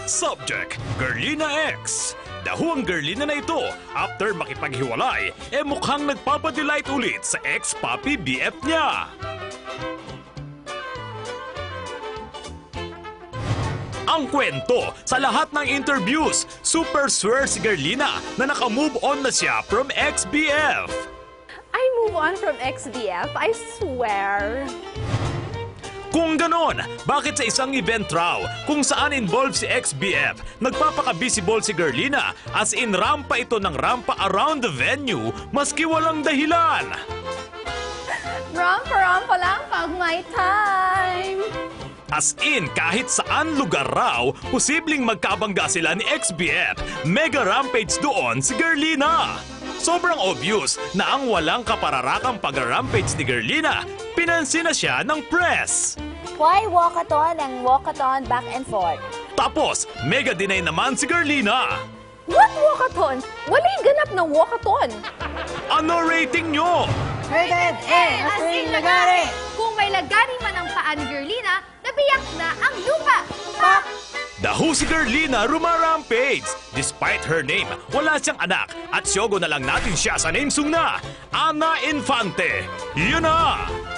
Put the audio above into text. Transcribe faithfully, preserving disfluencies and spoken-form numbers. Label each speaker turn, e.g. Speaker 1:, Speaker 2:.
Speaker 1: Subject, Gerlina X. Dahuang Gerlina na ito, after makipaghiwalay, eh mukhang nagpapadelight ulit sa ex-papi B F niya. Ang kwento, sa lahat ng interviews, super swear si Gerlina na naka-move on na siya from ex-B F.
Speaker 2: I move on from ex-B F, I swear.
Speaker 1: Kung ganon, bakit sa isang event raw kung saan involved si ex-B F, nagpapaka-visible si Gerlina as in rampa ito ng rampa around the venue maski walang dahilan?
Speaker 2: Rampa-rampa lang pag may time.
Speaker 1: As in, kahit saan lugar raw, posibleng magkabangga sila ni ex-B F, mega rampage doon si Gerlina. Sobrang obvious na ang walang kapararakang pag-rampage ni Gerlina, pinansin na siya ng press.
Speaker 3: Why walkathon and walkathon back and forth?
Speaker 1: Tapos, mega deny naman si Gerlina.
Speaker 2: What walkathon? Wala'y ganap na walkathon.
Speaker 1: Ano rating nyo?
Speaker 3: Rated A, as in lagari.
Speaker 2: Kung may lagari man ang paa ni Gerlina, nabiyak na ang lupa.
Speaker 3: Pak!
Speaker 1: Dahu si Gerlina rumarampage. Despite her name, wala siyang anak at syogo na lang natin siya sa name song na Ana Infante. Yun na!